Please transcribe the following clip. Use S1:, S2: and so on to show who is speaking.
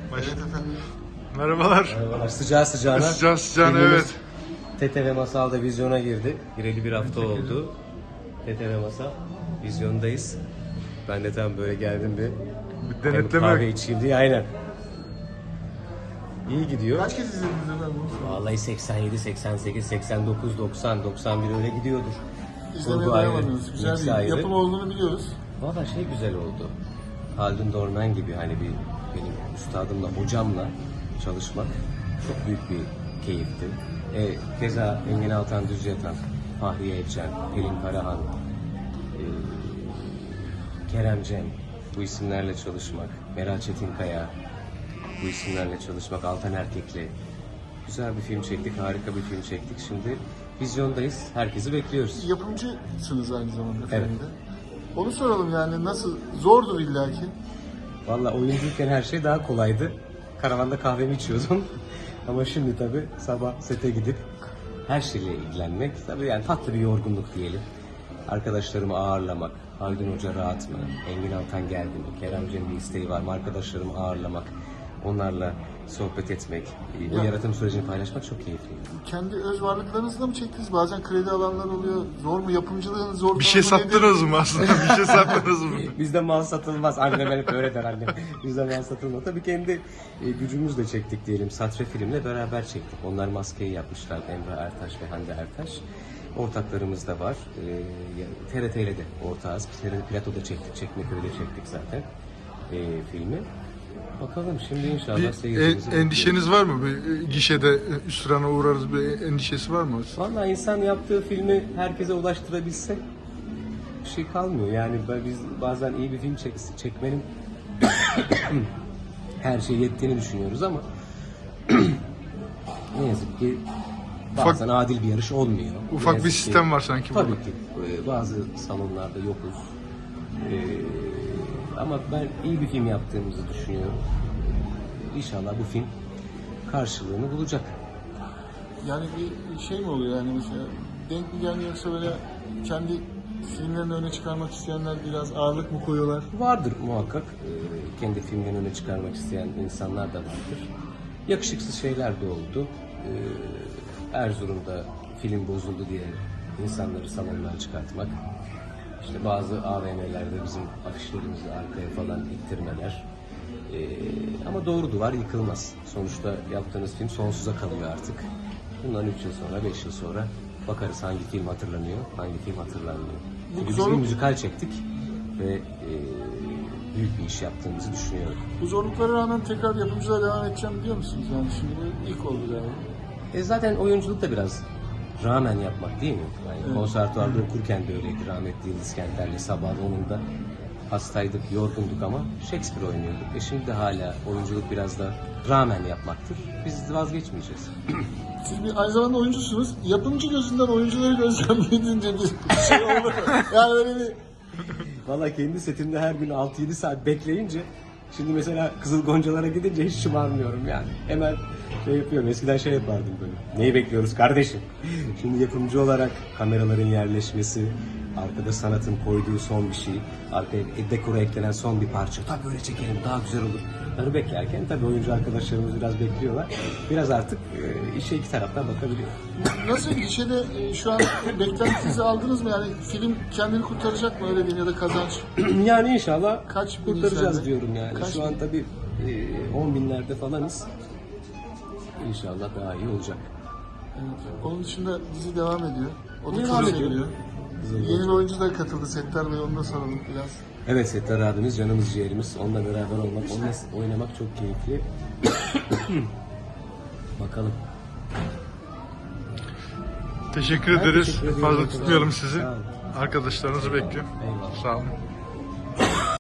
S1: Evet efendim.
S2: Merhabalar.
S3: Merhabalar. Sıcağı sıcağına.
S2: Sıcağı sıcağına,
S3: filmimiz
S2: evet.
S3: TTV Masal'da vizyona girdi. Gireli bir hafta oldu. TTV Masal vizyondayız. Ben de tam böyle geldim bir
S2: Bir
S3: hem kahve
S2: denetleme.
S3: içeyim diye, aynen. İyi gidiyor.
S1: Kaç kez izlediniz efendim?
S3: Vallahi 87, 88, 89, 90, 91 öyle gidiyordur.
S1: İzlemeye
S3: Kurgu ayrı,
S1: dayamadınız. Güzel
S3: mix
S1: bir
S3: ayrı.
S1: yapım olduğunu biliyoruz.
S3: Valla şey güzel oldu. Haldun Dorman gibi hani benim üstadımla, hocamla çalışmak çok büyük bir keyifti. Keza Engin Altan Düz Yatan, Fahriye Evcen, Pelin Karahan, Kerem Cem, bu isimlerle çalışmak, Meral Çetinkaya, bu isimlerle çalışmak, Altan Erkek'le güzel bir film çektik, harika bir film çektik. Şimdi vizyondayız, herkesi bekliyoruz.
S1: Yapımcısınız aynı zamanda
S3: Evet.
S1: filmde. Onu soralım yani nasıl? Zordur illaki.
S3: Valla oyunculukten her şey daha kolaydı. Karavanda kahvemi içiyordum. Ama şimdi tabii sabah sete gidip her şeyle ilgilenmek, tabii yani tatlı bir yorgunluk diyelim. Arkadaşlarımı ağırlamak, Haldun Hoca rahat mı, Engin Altan geldi mi, Kerem Cem'in bir isteği var mı, arkadaşlarımı ağırlamak, onlarla sohbet etmek, bu
S1: Ya.
S3: yaratım sürecini paylaşmak çok keyifli.
S1: Kendi öz varlıklarınızla mı çektiniz? Bazen kredi alanlar oluyor. Zor mu? Yapımcılığın zor
S2: Bir şey
S1: tarafı nedir?
S2: sattınız mı aslında? Bir şey sattınız mı?
S3: Bizde mal satılmaz. Annem hep öyle der annem. Bizde mal satılmaz. Tabii kendi gücümüzle çektik diyelim. Satre filmle beraber çektik. Onlar maskeyi yapmışlar. Emre Ertaş ve Hande Ertaş. Ortaklarımız da var. TRT ile de ortağız. TRT Plato'da çektik. Çekmeköy'de çektik zaten filmi. Bakalım şimdi inşallah
S2: Bir
S3: seyircimizi
S2: endişeniz var mı? Bir gişede üstürana uğrarız, bir endişesi var mı?
S3: Vallahi insan yaptığı filmi herkese ulaştırabilse bir şey kalmıyor. Yani biz bazen iyi bir film çekmenin her şeye yettiğini düşünüyoruz ama ne yazık ki bazen adil bir yarış olmuyor. Ne
S2: Ufak bir
S3: yazık
S2: sistem var sanki
S3: Tabii
S2: burada.
S3: ki bazı salonlarda yokuz. Ama ben iyi bir film yaptığımızı düşünüyorum. İnşallah bu film karşılığını bulacak.
S1: Yani bir şey mi oluyor yani mesela? Denk mi gelmiyor yoksa böyle kendi filmlerini öne çıkarmak isteyenler biraz ağırlık mı koyuyorlar?
S3: Vardır muhakkak. Kendi filmlerini öne çıkarmak isteyen insanlar da vardır. Yakışıksız şeyler de oldu. Erzurum'da film bozuldu diye insanları salondan çıkartmak. İşte bazı AVM'lerde bizim afişlerimizi arkaya falan ittirmeler. Ama doğru duvar yıkılmaz. Sonuçta yaptığınız film sonsuza kalıyor artık. Bundan 3 yıl sonra, 5 yıl sonra bakarız hangi film hatırlanıyor, hangi film hatırlanmıyor. Çünkü biz bir müzikal çektik ve büyük bir iş yaptığımızı düşünüyorum.
S1: Bu zorluklara rağmen tekrar yapımcılığa devam edeceğim diyor musunuz? Yani şimdi bu ilk oldu galiba.
S3: Zaten oyunculuk da biraz rağmen yapmak değil mi? Yani konservatuvarda okurken de öyleydi. Rahmetli Yıldız Kenter'le sabah 10'unda hastaydık, yorgunduk ama Shakespeare oynuyorduk. Şimdi de hala oyunculuk biraz da rağmen yapmaktır. Biz vazgeçmeyeceğiz.
S1: Siz aynı zamanda oyuncusunuz. Yapımcı gözünden oyuncuları gözlemleyince bir şey oldu mu? Yani öyle bir...
S3: Valla kendi setimde her gün 6-7 saat bekleyince şimdi mesela Kızıl Goncalara gidince hiç şımarmıyorum yani. Hemen şey yapıyorum. Eskiden şey yapardım böyle. Neyi bekliyoruz kardeşim? Şimdi yapımcı olarak kameraların yerleşmesi, arkada sanatın koyduğu son bir şey, arkaya dekora eklenen son bir parça. Tabii böyle çekelim daha güzel olur. Bunları beklerken tabii oyuncu arkadaşlarımız biraz bekliyorlar. Biraz artık işe iki taraftan bakabiliyor.
S1: Nasıl gişede şu an beklentinizi aldınız mı? Yani film kendini kurtaracak mı öyle diyeyim ya da kazanç?
S3: Yani inşallah
S1: Kaç bin
S3: kurtaracağız
S1: izlendi?
S3: diyorum yani.
S1: Kaç
S3: Şu an
S1: bin?
S3: tabii 10 binlerde falanız. İnşallah daha iyi olacak.
S1: Evet. Onun dışında dizi devam ediyor. O da
S3: Devam
S1: çok
S3: ediyor.
S1: seviliyor. Yeni bir oyuncu da katıldı Settar Bey, onu da soralım biraz.
S3: Evet, Settar abimiz canımız ciğerimiz. Onunla beraber olmak, onunla oynamak çok keyifli. Bakalım.
S2: Teşekkür
S3: Ben
S2: ederiz.
S3: teşekkür ediyorum.
S2: Fazla tutmayalım sizi.
S3: Sağ olun.
S2: Arkadaşlarınızı bekliyorum.
S3: Eyvallah.
S2: Sağ olun.